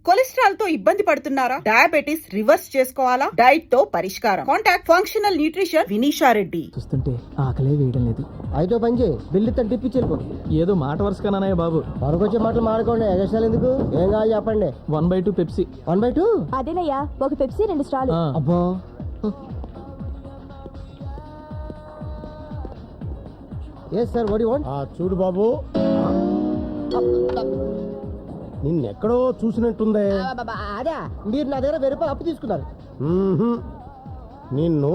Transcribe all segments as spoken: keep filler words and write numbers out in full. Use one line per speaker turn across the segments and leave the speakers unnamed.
Cholesterol తో ఇబ్బంది పడుతున్నారా? డయాబెటిస్ రివర్స్ చేసుకోవాలా? డైట్ తో పరిష్కారం. Contact functional nutrition Vinisha Reddy.
చూస్తుంటే ఆకలే వేయడం లేదు.
అయితే పని చేయి, బిల్లు టిప్పించి వెళ్ళిపో.
ఏదో మాట వరుసగానయ్య బాబు.
వరకొచ్చే మాటలు మాడుకోండి, ఎగస్ట్రాలు ఎందుకు? ఏం కావాలి చెప్పండి.
One by two Pepsi.
One by two
అదేనయ్యా, ఒక పెప్సీ రెండు స్టాల్.
అబ్బా yes sir, what you want?
చూడు బాబు, నిన్నెక్కడో చూసినట్టుందే.
అదే, మీరు నా దగ్గర వెయ్యి రూపాయలు అప్పు తీసుకున్నారు.
మ్మ్హ్మ్. నిన్ను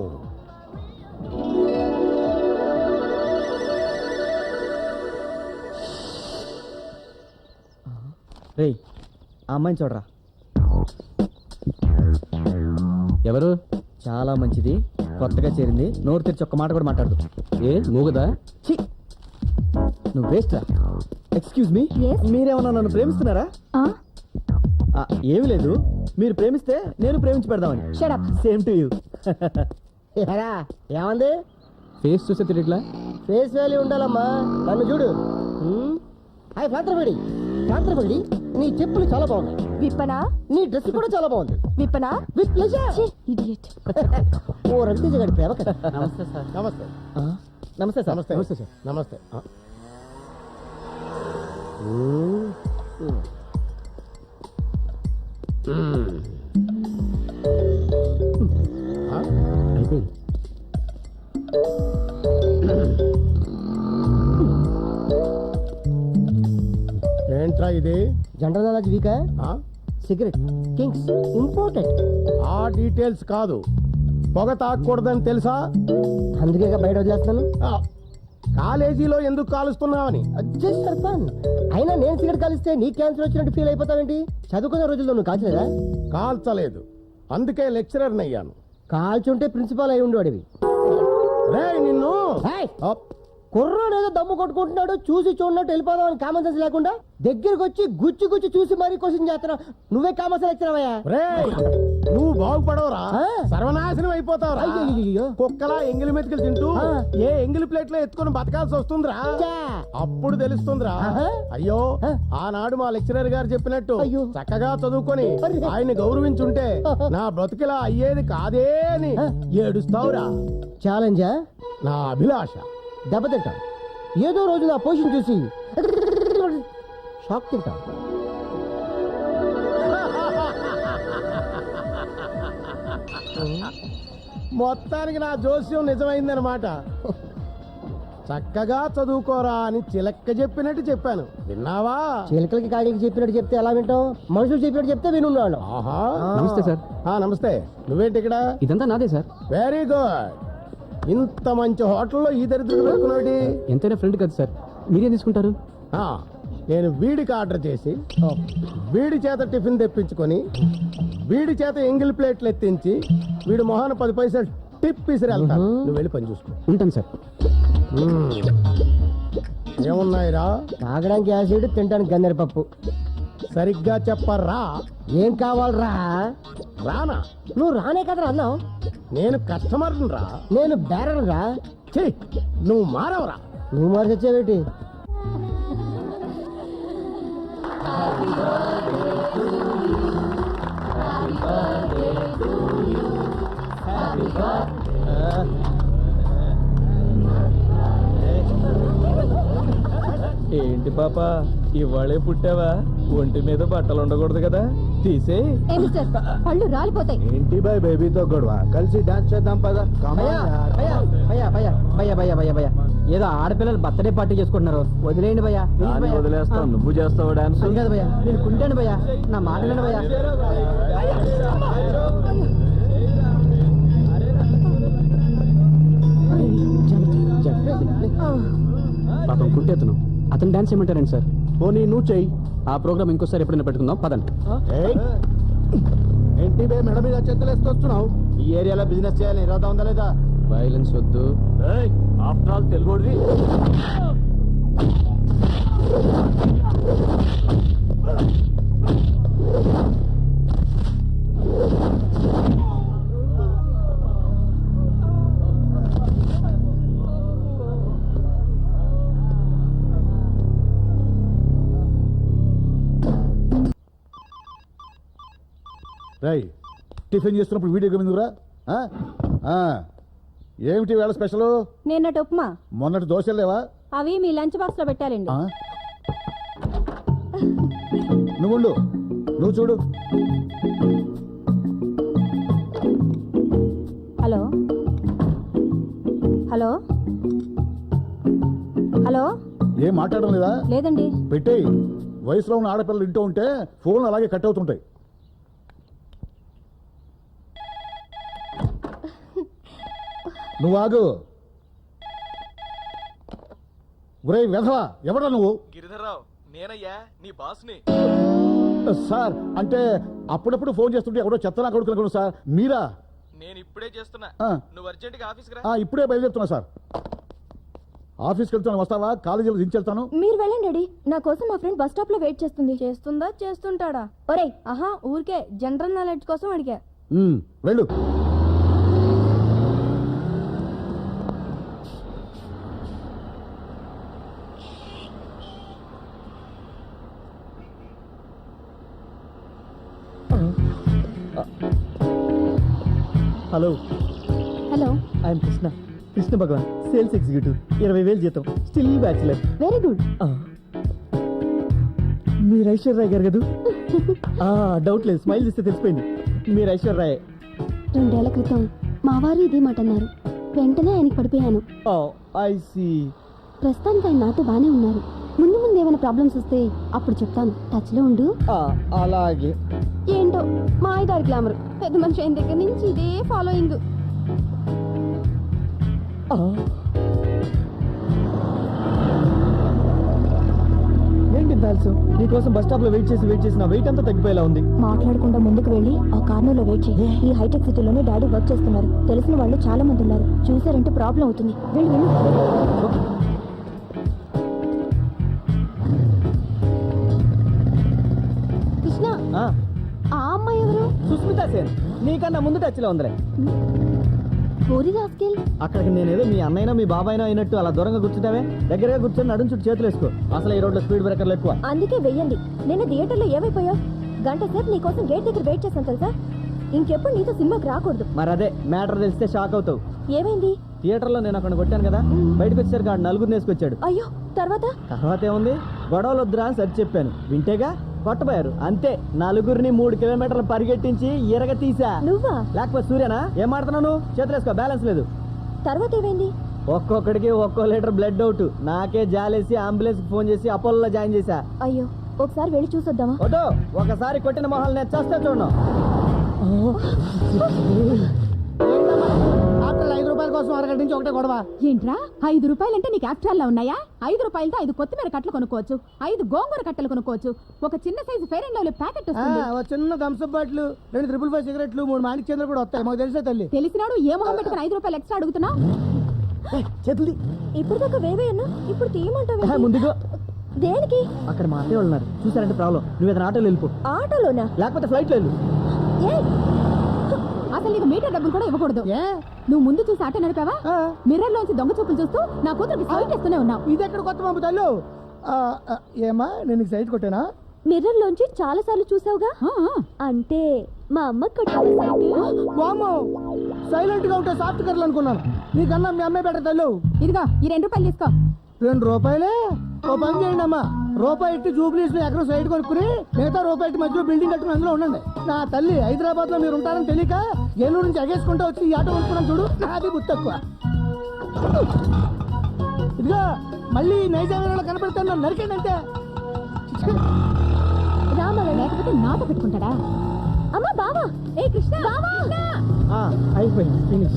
రేయ్, ఆ అమ్మాయిని చూడరా.
ఎవరు?
చాలా మంచిది, కొత్తగా చేరింది. నోరు తెరిచి ఒక్క మాట కూడా మాట్లాడదు.
ఏ మూగదా?
ఛీ, నువ్వు వేస్ట్ రా. ఎక్స్క్యూజ్ మీ, మీరేమన్నా నన్ను ప్రేమిస్తున్నారా? ఆ, ఏమి లేదు, మీరు ప్రేమిస్తే నేను ప్రేమించి పెడదామని.
Shut up.
Same to you. ఏమంది?
ఫేస్ చూస్తే తిరిగిట్లా.
ఫేస్ వాల్యూ ఉండాలమ్మా. నన్ను చూడు. హాయ్ పాత్రపడి, పాత్రపడి, నీ చెప్పులు చాలా బాగున్నాయి.
విప్పనా?
నీ డ్రెస్ కూడా చాలా బాగుంది.
విప్పనా?
With pleasure.
ఇడియట్.
ఓ రవితేజ గారి ప్రేమ కదా.
నమస్తే సార్. నమస్తే
నమస్తే సార్.
నమస్తే
నమస్తే సార్.
నమస్తే. ఆ. ఆ?
అయిపోయింది.
ఏంట్రా ఇది?
జనరల్ నాలెడ్జ్ వీకా?
ఆ?
Cigarette kings important.
ఆ డీటెయిల్స్ కాదు, పొగ తాగకూడదని తెలుసా?
అందుకే బయట వదిలేస్తాను.
ఆ, కాలేజీలో ఎందుకు కాలుస్తున్నావని.
Just for fun. అయినా నేను సిగరెట్ కాలిస్తే నీ క్యాన్సర్ వచ్చినట్టు ఫీల్ అయిపోతావేంటి? చదువుకునే రోజుల్లో నువ్వు కాల్చలేదా?
కాల్చలేదు, అందుకే లెక్చరర్ అయ్యాను.
కాల్చుంటే ప్రిన్సిపాల్ అయి ఉండేవాడివి.
రే నిన్ను. అప్.
కుర్రోడు ఏదో దమ్ము కొట్టుకుంటున్నాడు, చూసి చూడనట్టు వెళ్ళిపోదాం అని కామన్ సెన్స్ లేకుండా దగ్గరకు వచ్చి గుచ్చి గుచ్చి చూసి మరీ క్వశ్చన్ చేస్తున్నావు. నువ్వే కామన్ సెన్స్ లెక్చరవయ్యా.
రేయ్, నువ్వు బాగుపడవురా,
ఆ?
సర్వనాశనం అయిపోతావురా.
అయ్యయ్యయ్యో.
కుక్కలా ఎంగిలి మెతుకులు తింటూ
ఆ.
ఏ ఎంగిలి ప్లేట్ లో ఎత్తుకొని బతకాల్సి వస్తుందిరా.
ఛా.
అప్పుడు తెలుస్తుందిరా.
ఆహా.
అయ్యో,
ఆ.
ఆనాడు మా లెక్చరర్ గారు చెప్పినట్టు
అయ్యో.
చక్కగా చదువుకొని
అరే.
ఆయన్ని గౌరవించుంటే
ఆహా.
నా బ్రతికిలా అయ్యేది కాదే అని
ఆ.
ఏడుస్తావురా.
ఛాలెంజా?
నా అభిలాష.
దెబ్బతింటాం. ఏదో రోజు నా పొజిషన్ చూసి షాక్ తింటాం.
మొత్తానికి నా జోస్యం నిజమైందనమాట. చక్కగా చదువుకోరా అని చిలక్క చెప్పినట్టు చెప్పాను, విన్నావా?
చిలకలకి కాగికి చెప్పినట్టు చెప్తే ఎలా వింటాం? మనుషులు చెప్పినట్టు చెప్తే వినున్నాడు.
ఆహా.
నమస్తే సార్.
ఆ, నమస్తే. నువ్వేంటి ఇక్కడ?
ఇదంతా నాదే సార్.
Very good. ఇంత మంచి హోటల్లో ఈ దరిద్రుడు పెట్టుకున్నాడు.
ఎంతైనా ఫ్రెండ్ కదా సార్, మీరేం తీసుకుంటారు?
ఆ, నేను వీడికి ఆర్డర్ చేసి వీడి చేత టిఫిన్ తెప్పించుకొని వీడి చేత ఎంగిల్ ప్లేట్లు ఎత్తించి వీడి మొహాన పది పైసలు టిప్ ఇసిరి వెళ్తాను. నువ్వు వెళ్ళి పని చూసుకో.
ఉంటాను సార్.
మ్మ్. ఏమున్నాయిరా?
తాగడానికి యాసిడ్, తినడానికి గన్నెర పప్పు.
సరిగ్గా చెప్పరా.
ఏం కావాలరా?
రానా?
నువ్వు రానే కదరా అన్నావు.
నేను కస్టమర్ రా.
నేను బేరర్ రా.
ఛీ, నువ్వు మారవరా.
నువ్వు మరి తెచ్చావేటి?
ఏంటి పాప, ఇవాళే పుట్టావా? ఒంటి మీద బట్టలు ఉండకూడదు కదా, తీసే.
పళ్ళు రాలిపోతాయి.
ఏంటి బాయ్ బేబీతో గొడవ? కలిసి డాన్స్ చేద్దాం పదా.
భయ్యా, భయ్యా, భయ్యా, భయ్యా, భయ్యా, భయ్యా, భయ్యా, భయ్యా. ఏదో ఆడపిల్లలు బర్త్డే పార్టీ చేసుకుంటున్నారు, వదిలేయండి భయ్యా.
వదిలేస్తావు, నువ్వు చేస్తావు డాన్స్.
అది కాదు భయ్యా, నేను కుంటాను భయ్యా, నా మాట వినండి భయ్యా.
పాపం కుట్టేతను, అతను డాన్స్ ఏమంటారండి సార్?
పోనీ నువ్వు చెయ్యి.
ఆ ప్రోగ్రామ్ ఇంకోసారి ఎప్పుడైనా పెట్టుకుందాం, పదండి.
ఏయ్, ఏంటి బే మెడ మీద చేతులు వేసుకొస్తున్నావు? ఈ ఏరియాలో బిజినెస్ చేయాలి, ఇరవై ఉందా లేదా?
వైలెన్స్ వద్దు.
After all Telugu.
రై టిఫిన్ చేస్తున్నప్పుడు వీడియో గేమ్ ఎందుకురా ఆ? ఆ. ఏమిటి వేళ స్పెషల్?
నిన్నటి ఉప్మా
మొన్నటి దోశలు లేవా?
అవి మీ లంచ్ బాక్స్ లో పెట్టాలండి.
ఆ? నువ్వు ఉండు. నువ్వు చూడు.
హలో హలో హలో
ఏం మాట్లాడడం లేదా?
లేదండి.
పెట్టేయి. వయసులో ఉన్న ఆడపిల్లలు ఇంటూ ఉంటే ఫోన్లు అలాగే కట్ అవుతుంటాయి. నువ్వు ఆగు. ఒరే వెధవా, ఎవడా నువ్వు?
గిరిధర్రావు నేనయ్యా నీ బాస్ని.
సార్ అంటే అప్పుడప్పుడు ఫోన్ చేస్తుంటే ఎవడో చెత్తనా కొడుకునుకున్నాను సార్. మీరా?
నేను ఇప్పుడే చేస్తున్నా.
ఆ.
నువ్వు అర్జెంట్ గా ఆఫీస్కి రా.
ఆ, ఇప్పుడే బయలుదేరుతున్నా సార్. ఆఫీస్కి వెళ్తాను, వస్తావా? కాలేజీలో దించెళ్తాను.
మీరు వెళ్ళండి డాడీ. నా కోసం మా ఫ్రెండ్ బస్ స్టాప్ లో వెయిట్ చేస్తుంది. చేస్తుందా చేస్తుంటాడా? ఒరేయ్ ఆహా ఊరికే జనరల్ నాలెడ్జ్ కోసం అడిగా.
ఉమ్, వెళ్ళు.
Hello,
hello
I'm Krishna Krishna Bhagwan, sales executive, ఇరవై వేలు జీతం, స్టిల్ బ్యాచులర్.
Very good.
మీరు ఐశ్వర్య గారు కదా? డౌట్ లేదు, స్మైల్ చేస్తే తెలిసిపోయింది మీరు ఐశ్వర్య.
రెండేళ్ల క్రితం మా వారు ఇదే మాట అన్నారు. వెంటనే ఆయనకి పడిపోయాను.
I see.
ప్రస్తుతానికి ఆయన నాతో బానే ఉన్నారు. ముందు ముందు ఏమైనా ప్రాబ్లమ్స్ వస్తే అప్పుడు చెప్తాను. టచ్ లో ఉండు.
అలాగే.
ఏంటో మా ఐదారు గ్లామర్ పెద్ద మనిషి అయిన దగ్గర నుంచి ఇదే ఫాలోయింగ్.
ఏంటి తెలుసు, నీకోసం బస్ స్టాప్ లో వెయిట్ చేసి వెయిట్ చేసి నా వెయిట్ అంతా తగ్గిపోయేలా ఉంది.
మాట్లాడకుండా ముందుకు వెళ్ళి ఆ కార్నర్ లో వెయిట్ చేయి. ఈ హైటెక్ సిటీలోనే డాడీ వర్క్ చేస్తున్నారు. తెలిసిన వాళ్ళు చాలా మంది ఉన్నారు. చూసారంటే ప్రాబ్లం అవుతుంది. వెళ్ళి వెళ్ళు. కృష్ణ,
ఆ,
ఆ అమ్మాయి ఎవరు?
సుస్మిత సేన్, నీకన్నా ముందు టచ్ లో ఉందిలే.
పూరి రాస్కెల్.
అక్కడికి నేనేదో మీ అన్నైనా మీ బాబాయినా అయినట్టు అలా దూరంగా కూర్చుంటావే. దగ్గరగా కూర్చొని నడుం చుట్టూ చేతులు వేసుకో. అసలు ఈ రోడ్లో స్పీడ్ బ్రేకర్లు ఎక్కువ.
అందుకే వెయ్యండి. నేను థియేటర్లో ఏమైపోయావు? గంట సేపు నీకోసం గేట్ దగ్గర వెయిట్ చేశాను తెలుసా. ఇంకెప్పుడు నీతో సినిమాకి రాకూడదు.
మరి అదే మ్యాటర్ తెలిస్తే షాక్ అవుతావు.
ఏమైంది?
థియేటర్లో నేను అక్కడ కొట్టాను కదా, బయటకు వచ్చేసరికి ఆడు నలుగురిని వేసుకొచ్చాడు.
అయ్యో, తర్వాత?
తర్వాత ఏముంది, గొడవలు వద్దురా అని సరి చెప్పాను. వింటేగా కొట్టబోయారు. అంతే, నలుగురిని మూడు కిలోమీటర్లు పరిగెట్టించి ఎరగ తీసా.
నువ్వా?
లేకపోతే సూర్యనా? ఏం మాడుతున్నాను? చేతులు వేసుకో, బ్యాలెన్స్ లేదు.
తర్వాత ఏమైంది?
ఒక్కొక్కడికి ఒక్కో లీటర్ బ్లడ్ అవుట్. నాకే జాలేసి అంబులెన్స్ ఫోన్ చేసి అపోలో జాయిన్ చేశా.
అయ్యో, ఒకసారి వెళ్ళి చూసొద్దామా?
వద్దు, ఒకసారి కొట్టిన మొహాలు నేను చేస్తా చూడను.
ఐదు రూపాయల కోసం అరగంట నుంచి ఒకటే గొడవ.
ఏంట్రా ఐదు రూపాయలంటే నీకు యాక్చువల్లా ఉన్నాయా? ఐదు రూపాయలతో ఐదు కొత్తిమీర కట్టలు కొనుక్కోవచ్చు, ఐదు గోంగూర కట్టలు కొనుక్కోవచ్చు, ఒక చిన్న size fair and lovely packet వస్తుంది.
ఆ, ఒక చిన్న థమ్స్అప్ బాటిల్, రెండు ట్రిపుల్ ఫైవ్ సిగరెట్లు, మూడు మాణిక్ చంద్ర కూడా వస్తాయి. మాకు తెలిసే తల్లి.
తెలిసినాడు ఏ మొహం పెట్టుకుని ఐదు రూపాయలు ఎక్స్ట్రా అడుగుతున్నావు?
చేతులు
ఇప్పుడు దాకా వేవే అన్నా, ఇప్పుడు తీయమంటావు?
ముందుగా
దేనికి?
అక్కడ మా అత్తయ్య వాళ్ళు ఉన్నారు, చూసారంటే ప్రాబ్లం. నువ్వు ఏదైనా ఆటోలో వెళ్ళిపో,
ఆటోలోనా?
లేకపోతే ఫ్లైట్లో వెళ్ళు.
ఏ
అసలు నీకు మీటర్ డబ్బులు కూడా ఇవ్వకూడదు.
ఏ
నువ్వు ముందు చూసి ఆటో నడిపావా? మిర్రర్ లోంచి దొంగ చూపులు చూస్తూ నా కూతురికి సైట్ ఇస్తూనే ఉన్నావు.
ఇది ఎక్కడ కొత్త పంపు తల్లు? ఆ, ఆ, ఏమా నేను నీకు సైట్ కొట్టానా?
మిర్రర్ లోంచి చాలా సార్లు చూసావుగా.
ఆ, ఆ.
అంటే మా అమ్మ కొట్టాలి సైట్.
వామ్మో, సైలెంట్ గా ఉంటే సాఫ్ట్ కర్లు అనుకున్నాను. నీకన్నా మీ అమ్మాయి బెటర్ తల్లు.
ఇదిగో ఈ రెండు రూపాయలు తీసుకో.
రెండు రూపాయలే? ఓ పని చేయండి అమ్మా, రూపాయి ఇట్టి జూబ్లీస్ లో ఎక్కడ సైడ్ కొనుక్కుని మిగతా రూపాయి ఇట్టి మధ్యలో బిల్డింగ్ కట్టుకుని అందులో ఉండండి. నా తల్లి హైదరాబాద్ లో మీరు ఉంటారని తెలియక ఏలూరు నుంచి ఎగేసుకుంటూ వచ్చి ఈ ఆటో కొనుక్కున్నాను చూడు. నాది బుద్ధి తక్కువ. ఇదిగో మళ్ళీ నైజాంలో కనపడతాను, నన్ను నరికండి అంతే.
రామ
లేకపోతే నాతో పెట్టుకుంటాడా?
అమ్మ బావా.
ఏ కృష్ణ, బావా!
ఆ, అయిపోయింది, ఫినిష్.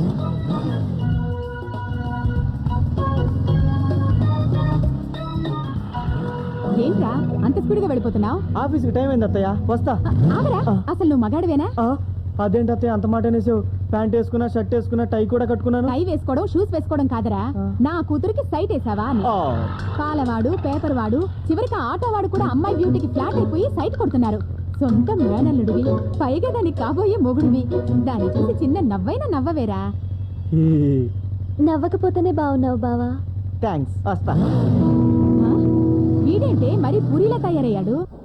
ఏంట్రా అంత స్పీడ్ గా వెళ్ళిపోతున్నావు?
ఆఫీస్కి టైం అయింది అత్తయ్య, వస్తా.
ఆగరా, అసలు నువ్వు మగాడివేనా?
ఆ, అదేంటి అత్తయ్య అంత మాట అనేసావు? ప్యాంట్ వేసుకున్నా, షర్ట్ వేసుకున్నా, టై కూడా కట్టుకున్నాను.
టై వేసుకోవడం, షూస్ వేసుకోవడం కాదరా,
ఆ.
నా కూతురికి సైట్ వేసావా అని.
ఆ,
పాలవాడు, పేపర్ వాడు, చివరికి ఆటో వాడు కూడా అమ్మాయి బ్యూటీకి ఫ్లాట్ అయిపోయి సైట్ కొడుతున్నారు. సొంత మేనల్లుడివి, పైగా దానికి కాబోయే మొగుడివి. దాన్ని చూసి చిన్న నవ్వైనా నవ్వవేరా?
ఈ,
నవ్వకపోతేనే బాగున్నావు బావా.
థ్యాంక్స్, వస్తా.
ఆ? వీడేంటే మరి పూరిలా తయారయ్యాడు?